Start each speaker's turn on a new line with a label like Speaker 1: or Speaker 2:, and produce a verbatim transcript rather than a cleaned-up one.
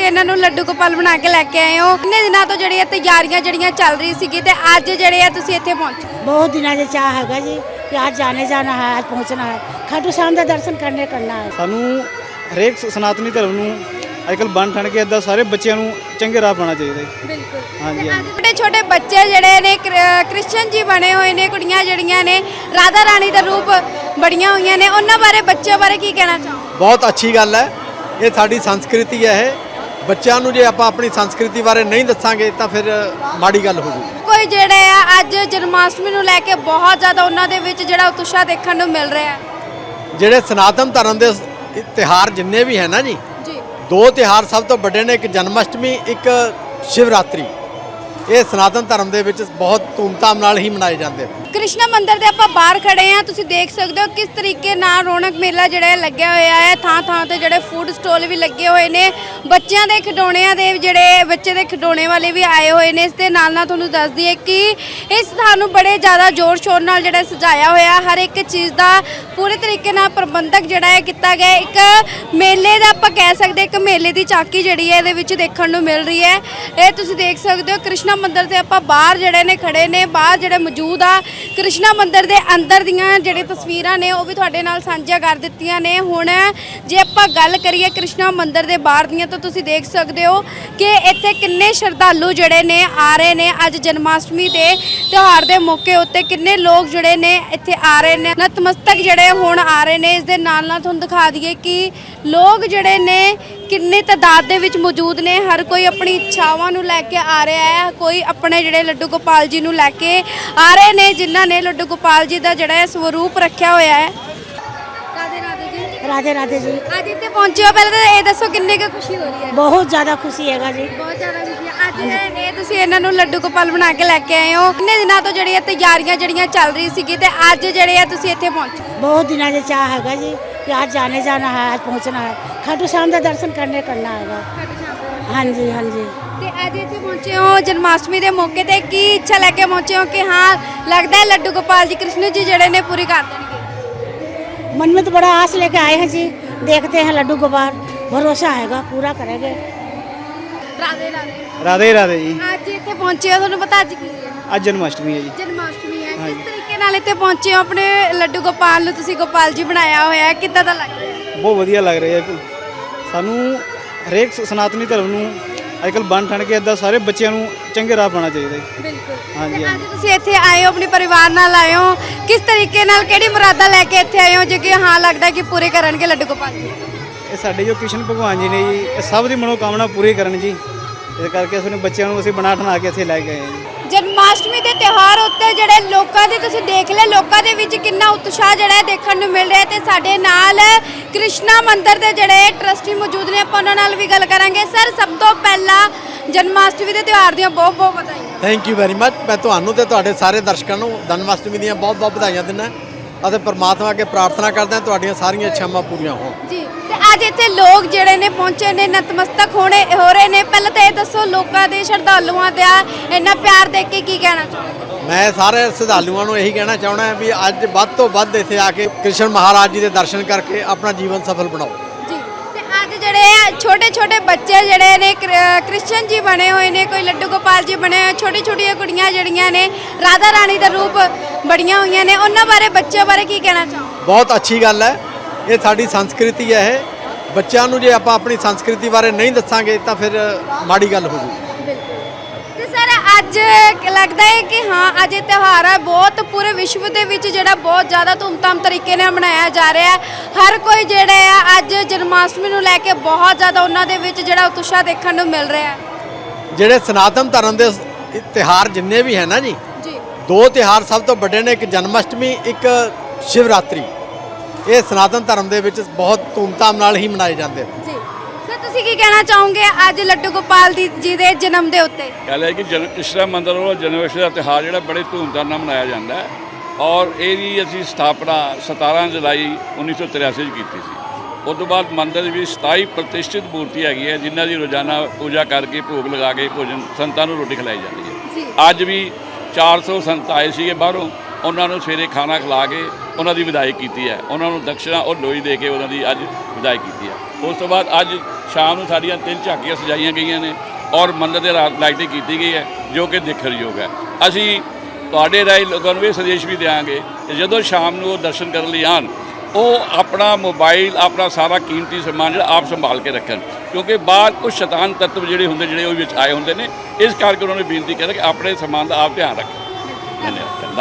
Speaker 1: ਇਹਨਾਂ ਨੂੰ ਲੱਡੂ ਗੋਪਾਲ ਬਣਾ ਕੇ ਲੈ ਕੇ ਆਏ ਹੋ। ਕਿੰਨੇ ਦਿਨਾਂ ਤੋਂ ਜਿਹੜੀਆਂ ਤਿਆਰੀਆਂ ਜਿਹੜੀਆਂ ਚੱਲ ਰਹੀ ਸੀਗੀ ਤੇ ਅੱਜ ਜਿਹੜੇ ਆ ਤੁਸੀਂ ਇੱਥੇ ਪਹੁੰਚੇ?
Speaker 2: बहुत दिनों से चाह हैगा जी कि आज जाने जाना है, आज पहुंचना है, खाटू श्याम का दर्शन करने करना है।
Speaker 3: ਸਾਨੂੰ ਹਰੇਕ ਸਨਾਤਨੀ ਧਰਮ ਨੂੰ ਅੱਜਕੱਲ ਬਣ ਠਣ ਕੇ ਇੱਦਾਂ ਸਾਰੇ ਬੱਚਿਆਂ ਨੂੰ ਚੰਗੇ ਰਾਹ ਪਾਉਣਾ ਚਾਹੀਦਾ ਹੈ।
Speaker 1: ਬਿਲਕੁਲ।
Speaker 3: ਹਾਂਜੀ ਹਾਂਜੀ।
Speaker 1: ਛੋਟੇ ਛੋਟੇ ਬੱਚੇ ਜਿਹੜੇ ਨੇ ਕ੍ਰਿਸਚਨ ਜੀ ਬਣੇ ਹੋਏ ਨੇ, ਕੁੜੀਆਂ ਜਿਹੜੀਆਂ ਨੇ ਰਾਧਾ ਰਾਣੀ ਦਾ ਰੂਪ ਬੜੀਆਂ ਹੋਈਆਂ ਨੇ, ਉਹਨਾਂ ਬਾਰੇ ਬੱਚਿਆਂ ਬਾਰੇ ਕੀ ਕਹਿਣਾ ਚਾਹੋ?
Speaker 4: ਬਹੁਤ ਅੱਛੀ ਗੱਲ ਹੈ। ਇਹ ਸਾਡੀ ਸੰਸਕ੍ਰਿਤੀ ਹੈ। ਇਹ ਬੱਚਿਆਂ ਨੂੰ ਜੇ ਆਪਾਂ ਆਪਣੀ ਸੰਸਕ੍ਰਿਤੀ ਬਾਰੇ ਨਹੀਂ ਦੱਸਾਂਗੇ ਤਾਂ ਫਿਰ ਮਾੜੀ ਗੱਲ ਹੋ ਜੂਗੀ।
Speaker 1: ਕੋਈ ਜਿਹੜੇ ਆ ਅੱਜ ਜਨਮਾਸ਼ਟਮੀ ਨੂੰ ਲੈ ਕੇ ਬਹੁਤ ਜ਼ਿਆਦਾ ਉਹਨਾਂ ਦੇ ਵਿੱਚ ਜਿਹੜਾ ਉਤਸ਼ਾਹ ਦੇਖਣ ਨੂੰ ਮਿਲ ਰਿਹਾ ਹੈ।
Speaker 4: ਜਿਹੜੇ ਸਨਾਤਨ ਧਰਮ ਦੇ ਤਿਉਹਾਰ ਜਿੰਨੇ ਵੀ ਹੈ ਨਾ ਜੀ,
Speaker 1: ਜੀ
Speaker 4: ਦੋ ਤਿਉਹਾਰ ਸਭ ਤੋਂ ਵੱਡੇ ਨੇ, ਇੱਕ ਜਨਮਸ਼ਟਮੀ, ਇੱਕ ਸ਼ਿਵਰਾਤਰੀ। ਇਹ ਸਨਾਤਨ ਧਰਮ ਦੇ ਵਿੱਚ ਬਹੁਤ ਧੂਮਧਾਮ ਨਾਲ ਹੀ ਮਨਾਏ ਜਾਂਦੇ ਨੇ।
Speaker 1: ਕ੍ਰਿਸ਼ਨਾ ਮੰਦਿਰ ਦੇ ਆਪਾਂ ਬਾਹਰ ਖੜੇ ਆ, ਤੁਸੀਂ ਦੇਖ ਸਕਦੇ ਹੋ ਕਿਸ ਤਰੀਕੇ ਨਾਲ ਰੌਣਕ ਮੇਲਾ ਜਿਹੜਾ ਲੱਗਿਆ ਹੋਇਆ ਹੈ। ਥਾਂ ਥਾਂ ਤੇ ਜਿਹੜੇ ਫੂਡ ਸਟਾਲ ਵੀ ਲੱਗੇ ਹੋਏ ਨੇ, ਬੱਚਿਆਂ ਦੇ ਖਿਡੌਣਿਆਂ ਦੇ ਜਿਹੜੇ ਬੱਚੇ ਦੇ ਖਿਡੌਣੇ ਵਾਲੇ ਵੀ ਆਏ ਹੋਏ ਨੇ। ਇਸ ਦੇ ਨਾਲ ਨਾਲ ਤੁਹਾਨੂੰ ਦੱਸ ਦਈਏ ਕਿ ਇਸ ਥਾਂ ਨੂੰ ਬੜੇ ਜ਼ਿਆਦਾ ਜ਼ੋਰ ਸ਼ੋਰ ਨਾਲ ਜਿਹੜਾ ਸਜਾਇਆ ਹੋਇਆ, ਹਰ ਇੱਕ ਚੀਜ਼ ਦਾ ਪੂਰੇ ਤਰੀਕੇ ਨਾਲ ਪ੍ਰਬੰਧਕ ਜਿਹੜਾ ਹੈ ਕੀਤਾ ਗਿਆ। ਇੱਕ ਮੇਲੇ ਦਾ ਆਪਾਂ ਕਹਿ ਸਕਦੇ, ਇੱਕ ਮੇਲੇ ਦੀ ਝਾਕੀ ਜਿਹੜੀ ਹੈ ਇਹਦੇ ਵਿੱਚ ਦੇਖਣ ਨੂੰ ਮਿਲ ਰਹੀ ਹੈ। ਇਹ ਤੁਸੀਂ ਦੇਖ ਸਕਦੇ ਹੋ ਕ੍ਰਿਸ਼ਨਾ ਮੰਦਿਰ ਦੇ ਆਪਾਂ ਬਾਹਰ ਜਿਹੜੇ ਨੇ ਖੜੇ ਨੇ, ਬਾਹਰ ਜਿਹੜੇ ਮੌਜੂਦ ਆ ਕ੍ਰਿਸ਼ਨਾ ਮੰਦਿਰ ਦੇ ਅੰਦਰ ਦੀਆਂ ਜਿਹੜੇ ਤਸਵੀਰਾਂ ਨੇ ਉਹ ਵੀ ਤੁਹਾਡੇ ਨਾਲ ਸਾਂਝੀਆਂ ਕਰ ਦਿੱਤੀਆਂ ਨੇ। ਹੁਣ ਜੇ ਆਪਾਂ ਗੱਲ ਕਰੀਏ ਕ੍ਰਿਸ਼ਨਾ ਮੰਦਿਰ ਦੇ ਬਾਹਰ ਦੀਆਂ, ਤਾਂ ਤੁਸੀਂ ਦੇਖ ਸਕਦੇ ਹੋ ਕਿ ਇੱਥੇ ਕਿੰਨੇ ਸ਼ਰਧਾਲੂ ਜਿਹੜੇ ਨੇ ਆ ਰਹੇ ਨੇ ਅੱਜ ਜਨਮਾਸ਼ਟਮੀ ਦੇ ਤਿਉਹਾਰ ਦੇ ਮੌਕੇ ਉੱਤੇ। ਕਿੰਨੇ ਲੋਕ ਜਿਹੜੇ ਨੇ ਇੱਥੇ ਆ ਰਹੇ ਨੇ, ਨਤਮਸਤਕ ਜਿਹੜੇ ਹੁਣ ਆ ਰਹੇ ਨੇ। ਇਸ ਦੇ ਨਾਲ ਨਾਲ ਤੁਹਾਨੂੰ ਦਿਖਾ ਦਈਏ ਕਿ ਲੋਕ ਜਿਹੜੇ ਨੇ ਕਿੰਨੇ ਤਾਦਾਦ ਦੇ ਵਿੱਚ ਮੌਜੂਦ ਨੇ। ਹਰ ਕੋਈ ਆਪਣੀ ਇੱਛਾਵਾਂ ਨੂੰ ਲੈ ਕੇ ਆ ਰਿਹਾ ਹੈ, ਕੋਈ ਆਪਣੇ ਜਿਹੜੇ ਲੱਡੂ ਗੋਪਾਲ ਜੀ ਨੂੰ ਲੈ ਕੇ ਆ ਰਹੇ ਨੇ, ਜਿਨ੍ਹਾਂ ਨੇ ਲੱਡੂ ਗੋਪਾਲ ਜੀ ਦਾ ਜਿਹੜਾ ਸਰੂਪ ਰੱਖਿਆ ਹੋਇਆ ਹੈ। ਰਾਧੇ ਰਾਧੇ ਜੀ।
Speaker 2: राधे राधे जी।
Speaker 1: ਅੱਜ ਇੱਥੇ ਪਹੁੰਚੇ ਹੋ, ਪਹਿਲਾਂ ਤਾਂ ਇਹ ਦੱਸੋ ਕਿੰਨੀ ਕੁ ਖੁਸ਼ੀ ਹੋ ਰਹੀ ਹੈ?
Speaker 2: बहुत ज़्यादा खुशी हैगा जी।
Speaker 1: ਬਹੁਤ ਜ਼ਿਆਦਾ ਖੁਸ਼ੀ ਹੈ। ਅੱਜ ਇਹ ਤੁਸੀਂ ਇਹਨਾਂ ਨੂੰ ਲੱਡੂ ਗੋਪਾਲ ਬਣਾ ਕੇ ਲੈ ਕੇ ਆਏ ਹੋ। ਕਿੰਨੇ ਦਿਨਾਂ ਤੋਂ ਜਿਹੜੀਆਂ ਤਿਆਰੀਆਂ ਜਿਹੜੀਆਂ ਚੱਲ ਰਹੀ ਸੀਗੀ ਤੇ ਅੱਜ ਜਿਹੜੇ ਆ ਤੁਸੀਂ ਇੱਥੇ ਪਹੁੰਚੇ?
Speaker 2: बहुत दिनों से चाह हैगा जी कि आज जाने जाना है, आज पहुंचना है, खाटू श्याम का दर्शन करने करना हैगा। हाँ जी हाँ जी।
Speaker 1: ਤੇ ਅੱਜ ਇੱਥੇ ਪਹੁੰਚੇ ਹੋ ਜਨਮਾਸ਼ਟਮੀ ਦੇ ਮੌਕੇ ਤੇ, ਕੀ ਇੱਛਾ ਲੈ ਕੇ ਪਹੁੰਚੇ ਹੋ ਕਿ ਹਾਂ ਲੱਗਦਾ ਹੈ ਲੱਡੂ ਗੋਪਾਲ ਜੀ ਕ੍ਰਿਸ਼ਨ ਜੀ ਜਿਹੜੇ ਨੇ ਪੂਰੀ ਕਰ ਦੇਣਗੇ?
Speaker 2: मन में तो बड़ा आस लेके आए हैं जी, देखते हैं लड्डू गोपाल, भरोसा हैगा पूरा करेंगे।
Speaker 1: ਰਾਧੇ ਰਾਧੇ।
Speaker 3: ਰਾਧੇ ਰਾਧੇ ਜੀ।
Speaker 1: ਅੱਜ ਇੱਥੇ ਪਹੁੰਚੇ ਹੋ, ਤੁਹਾਨੂੰ ਪਤਾ ਅੱਜ ਕੀ ਹੈ?
Speaker 3: ਅੱਜ ਜਨਮਸ਼ਟਮੀ ਹੈ ਜੀ।
Speaker 1: ਜਨਮਾਸ਼ਟਮੀ ਹੈ। ਕਿਸ ਤਰੀਕੇ ਨਾਲ ਇੱਥੇ ਪਹੁੰਚੇ ਹੋ? ਆਪਣੇ ਲੱਡੂ ਗੋਪਾਲ ਨੂੰ ਤੁਸੀਂ ਗੋਪਾਲ ਜੀ ਬਣਾਇਆ ਹੋਇਆ ਹੈ, ਕਿੱਦਾਂ ਦਾ ਲੱਗ ਰਿਹਾ ਹੈ?
Speaker 3: ਬਹੁਤ ਵਧੀਆ ਲੱਗ ਰਿਹਾ ਹੈ। ਸਾਨੂੰ ਹਰੇਕ ਸਨਾਤਨੀ ਧਰਮ ਨੂੰ ਅੱਜਕੱਲ ਬਣ ਠਣ ਕੇ ਇੱਦਾਂ ਸਾਰੇ ਬੱਚਿਆਂ ਨੂੰ ਚੰਗੇ ਰਾਹ ਪਾਉਣਾ ਚਾਹੀਦਾ ਹੈ।
Speaker 1: ਬਿਲਕੁਲ।
Speaker 3: ਹਾਂਜੀ
Speaker 1: ਅੱਜ ਤੁਸੀਂ ਇੱਥੇ ਆਏ ਹੋ, ਆਪਣੇ ਪਰਿਵਾਰ ਨਾਲ ਆਏ ਹੋ, ਕਿਸ ਤਰੀਕੇ ਨਾਲ ਕਿਹੜੀ ਮੁਰਾਦਾਂ ਲੈ ਕੇ ਇੱਥੇ ਆਏ ਹੋ ਜੋ ਕਿ ਹਾਂ ਲੱਗਦਾ ਕਿ ਪੂਰੇ ਕਰਨਗੇ ਲੱਡੂ ਗੋਪਾਲ ਜੀ?
Speaker 3: ਇਹ ਸਾਡੇ ਜੋ ਕ੍ਰਿਸ਼ਨ ਭਗਵਾਨ ਜੀ ਨੇ ਜੀ, ਇਹ ਸਭ ਦੀ ਮਨੋਕਾਮਨਾ ਪੂਰੀ ਕਰਨ ਜੀ। ਇਸ ਕਰਕੇ ਅਸੀਂ ਬੱਚਿਆਂ ਨੂੰ ਅਸੀਂ ਬਣਾ ਠਣਾ ਕੇ ਇੱਥੇ ਲੈ ਕੇ ਆਏ ਹਾਂ ਜੀ।
Speaker 1: ਜਨਮਾਸ਼ਟਮੀ ਦੇ ਤਿਉਹਾਰ ਉੱਤੇ ਜਿਹੜੇ ਲੋਕਾਂ ਦੇ ਤੁਸੀਂ ਦੇਖ ਲਿਆ, ਲੋਕਾਂ ਦੇ ਵਿੱਚ ਕਿੰਨਾ ਉਤਸ਼ਾਹ ਜਿਹੜਾ ਹੈ ਦੇਖਣ ਨੂੰ ਮਿਲ ਰਿਹਾ। ਤੇ ਸਾਡੇ ਨਾਲ ਕ੍ਰਿਸ਼ਨਾ ਮੰਦਿਰ ਦੇ ਜਿਹੜੇ ਟਰਸਟੀ ਮੌਜੂਦ ਨੇ, ਆਪਾਂ ਉਹਨਾਂ ਨਾਲ ਵੀ ਗੱਲ ਕਰਾਂਗੇ। ਸਰ, ਸਭ ਤੋਂ ਪਹਿਲਾਂ ਜਨਮਾਸ਼ਟਮੀ ਦੇ ਤਿਉਹਾਰ ਦੀਆਂ ਬਹੁਤ ਬਹੁਤ ਵਧਾਈਆਂ।
Speaker 4: Thank you very much. ਮੈਂ ਤੁਹਾਨੂੰ ਤੇ ਤੁਹਾਡੇ ਸਾਰੇ ਦਰਸ਼ਕਾਂ ਨੂੰ ਜਨਮਸ਼ਟਮੀ ਦੀਆਂ ਬਹੁਤ ਬਹੁਤ ਵਧਾਈਆਂ ਦਿੰਦਾ ਅਤੇ ਪਰਮਾਤਮਾ ਅੱਗੇ ਪ੍ਰਾਰਥਨਾ ਕਰਦਾ ਤੁਹਾਡੀਆਂ ਸਾਰੀਆਂ ਇੱਛਾਵਾਂ ਪੂਰੀਆਂ ਹੋਣ
Speaker 1: ਜੀ। ਤੇ ਅੱਜ ਇੱਥੇ ਲੋਕ ਜਿਹੜੇ ਨੇ ਪਹੁੰਚੇ ਨੇ, ਨਤਮਸਤਕ ਹੋਣੇ ਹੋ ਰਹੇ ਨੇ। ਪਹਿਲਾਂ ਤਾਂ ਇਹ ਦੱਸੋ ਲੋਕਾਂ ਦੇ ਸ਼ਰਧਾਲੂਆਂ ਦਾ ਇੰਨਾ ਪਿਆਰ ਦੇਖ ਕੇ ਕੀ ਕਹਿਣਾ ਚਾਹੋਗੇ?
Speaker 4: ਮੈਂ ਸਾਰੇ ਸ਼ਰਧਾਲੂਆਂ ਨੂੰ ਇਹੀ ਕਹਿਣਾ ਚਾਹੁੰਦਾ ਵੀ ਅੱਜ ਵੱਧ ਤੋਂ ਵੱਧ ਇੱਥੇ ਆ ਕੇ ਕ੍ਰਿਸ਼ਨ ਮਹਾਰਾਜ ਜੀ ਦੇ ਦਰਸ਼ਨ ਕਰਕੇ ਆਪਣਾ ਜੀਵਨ ਸਫਲ ਬਣਾਓ
Speaker 1: ਜੀ। ਤੇ ਅੱਜ ਜਿਹੜੇ ਛੋਟੇ ਛੋਟੇ ਬੱਚੇ ਜਿਹੜੇ ਨੇ ਕ੍ਰਿਸਚਨ ਜੀ ਬਣੇ ਹੋਏ ਨੇ, ਕੋਈ ਲੱਡੂ ਗੋਪਾਲ ਜੀ ਬਣੇ ਹੋਏ, ਛੋਟੀ ਛੋਟੀਆਂ ਕੁੜੀਆਂ ਜਿਹੜੀਆਂ ਨੇ ਰਾਧਾ ਰਾਣੀ ਦਾ ਰੂਪ ਬੜੀਆਂ ਹੋਈਆਂ ਨੇ, ਉਹਨਾਂ ਬਾਰੇ ਬੱਚਿਆਂ ਬਾਰੇ ਕੀ ਕਹਿਣਾ ਚਾਹੋਗੇ?
Speaker 4: ਬਹੁਤ ਅੱਛੀ ਗੱਲ ਹੈ। ਇਹ ਸਾਡੀ ਸੰਸਕ੍ਰਿਤੀ ਹੈ। ਇਹ ਬੱਚਿਆਂ ਨੂੰ ਜੇ ਆਪਾਂ ਆਪਣੀ ਸੰਸਕ੍ਰਿਤੀ ਬਾਰੇ ਨਹੀਂ ਦੱਸਾਂਗੇ ਤਾਂ ਫਿਰ ਮਾੜੀ ਗੱਲ ਹੋ ਜੂਗੀ।
Speaker 1: ਤੇ ਸਰ, ਅੱਜ ਲੱਗਦਾ ਹੈ ਕਿ ਹਾਂ ਅੱਜ ਇਹ ਤਿਉਹਾਰ ਹੈ ਬਹੁਤ ਪੂਰੇ ਵਿਸ਼ਵ ਦੇ ਵਿੱਚ ਜਿਹੜਾ ਬਹੁਤ ਜ਼ਿਆਦਾ ਧੂਮਧਾਮ ਤਰੀਕੇ ਨਾਲ ਮਨਾਇਆ ਜਾ ਰਿਹਾ ਹੈ। ਹਰ ਕੋਈ ਜਿਹੜਾ ਹੈ ਅੱਜ ਜਨਮਾਸ਼ਟਮੀ ਨੂੰ ਲੈ ਕੇ ਬਹੁਤ ਜ਼ਿਆਦਾ ਉਹਨਾਂ ਦੇ ਵਿੱਚ ਜਿਹੜਾ ਉਤਸ਼ਾਹ ਦੇਖਣ ਨੂੰ ਮਿਲ ਰਿਹਾ ਹੈ।
Speaker 4: ਜਿਹੜੇ ਸਨਾਤਨ ਧਰਮ ਦੇ ਤਿਉਹਾਰ ਜਿੰਨੇ ਵੀ ਹੈ ਨਾ ਜੀ,
Speaker 1: ਜੀ
Speaker 4: ਦੋ ਤਿਉਹਾਰ ਸਭ ਤੋਂ ਵੱਡੇ ਨੇ, ਇੱਕ ਜਨਮਸ਼ਟਮੀ, ਇੱਕ ਸ਼ਿਵਰਾਤਰੀ। ਇਹ ਸਨਾਤਨ ਧਰਮ ਦੇ ਵਿੱਚ ਬਹੁਤ ਧੂਮਧਾਮ ਨਾਲ ਹੀ ਮਨਾਏ ਜਾਂਦੇ ਨੇ।
Speaker 1: ਜੀ ਸਰ, ਤੁਸੀਂ ਕੀ ਕਹਿਣਾ ਚਾਹੋਗੇ ਅੱਜ ਲੱਡੂ ਗੋਪਾਲ ਦੀ ਜੀ ਦੇ ਜਨਮ ਦੇ ਉੱਤੇ?
Speaker 5: ਗੱਲ ਹੈ ਕਿ ਜਨ ਕ੍ਰਿਸ਼ਨਾ ਮੰਦਿਰ ਵੱਲੋਂ ਜਨਮਸ਼ਟਮੀ ਦਾ ਤਿਉਹਾਰ ਜਿਹੜਾ ਬੜੇ ਧੂਮਧਾਮ ਨਾਲ ਮਨਾਇਆ ਜਾਂਦਾ ਹੈ ਔਰ ਇਹਦੀ ਅਸੀਂ ਸਥਾਪਨਾ ਸਤਾਰਾਂ ਜੁਲਾਈ ਉੱਨੀ ਸੌ ਤਰਿਆਸੀ 'ਚ ਕੀਤੀ ਸੀ। ਉਸ ਤੋਂ ਬਾਅਦ ਮੰਦਿਰ ਦੇ ਵਿੱਚ ਸਤਾਈ ਪ੍ਰਤਿਸ਼ਠਿਤ ਮੂਰਤੀ ਹੈਗੀ ਹੈ ਜਿਨ੍ਹਾਂ ਦੀ ਰੋਜ਼ਾਨਾ ਪੂਜਾ ਕਰਕੇ ਭੋਗ ਲਗਾ ਕੇ ਭੋਜਨ ਸੰਤਾਂ ਨੂੰ ਰੋਟੀ ਖਿਲਾਈ ਜਾਂਦੀ ਹੈ। ਅੱਜ ਵੀ ਚਾਰ ਸੌ ਸੰਤ ਆਏ ਸੀਗੇ ਬਾਹਰੋਂ, ਉਹਨਾਂ ਨੂੰ ਸਵੇਰੇ ਖਾਣਾ ਖਿਲਾ ਕੇ ਉਹਨਾਂ ਦੀ ਵਿਦਾਈ ਕੀਤੀ ਹੈ। ਉਹਨਾਂ ਨੂੰ ਦਕਸ਼ਨਾ ਔਰ ਲੋਈ ਦੇ ਕੇ ਉਹਨਾਂ ਦੀ ਅੱਜ ਵਿਦਾਈ ਕੀਤੀ ਹੈ। ਉਸ ਤੋਂ ਬਾਅਦ ਅੱਜ ਸ਼ਾਮ ਨੂੰ ਸਾਡੀਆਂ ਤਿੰਨ ਝਾਕੀਆਂ ਸਜਾਈਆਂ ਗਈਆਂ ਨੇ ਔਰ ਮੰਦਰ ਦੇ ਰਾਤ ਲਾਈਟਿੰਗ ਕੀਤੀ ਗਈ ਹੈ ਜੋ ਕਿ ਦੇਖਣਯੋਗ ਹੈ। ਅਸੀਂ ਤੁਹਾਡੇ ਰਾਹੀਂ ਲੋਕਾਂ ਨੂੰ ਇਹ ਸੰਦੇਸ਼ ਵੀ ਦਿਆਂਗੇ ਕਿ ਜਦੋਂ ਸ਼ਾਮ ਨੂੰ ਉਹ ਦਰਸ਼ਨ ਕਰਨ ਲਈ ਆਉਣ, ਉਹ ਆਪਣਾ ਮੋਬਾਈਲ ਆਪਣਾ ਸਾਰਾ ਕੀਮਤੀ ਸਮਾਨ ਜਿਹੜਾ ਆਪ ਸੰਭਾਲ ਕੇ ਰੱਖਣ, ਕਿਉਂਕਿ ਬਾਹਰ ਕੁਝ ਸ਼ੈਤਾਨ ਤੱਤਵ ਜਿਹੜੇ ਹੁੰਦੇ ਜਿਹੜੇ ਉਹ ਵਿੱਚ ਆਏ ਹੁੰਦੇ ਨੇ। ਇਸ ਕਰਕੇ ਉਹਨਾਂ ਨੇ ਬੇਨਤੀ ਕਰਿਆ ਕਿ ਆਪਣੇ ਸਮਾਨ ਦਾ ਆਪ ਧਿਆਨ ਰੱਖਣ। ਧੰਨਵਾਦ।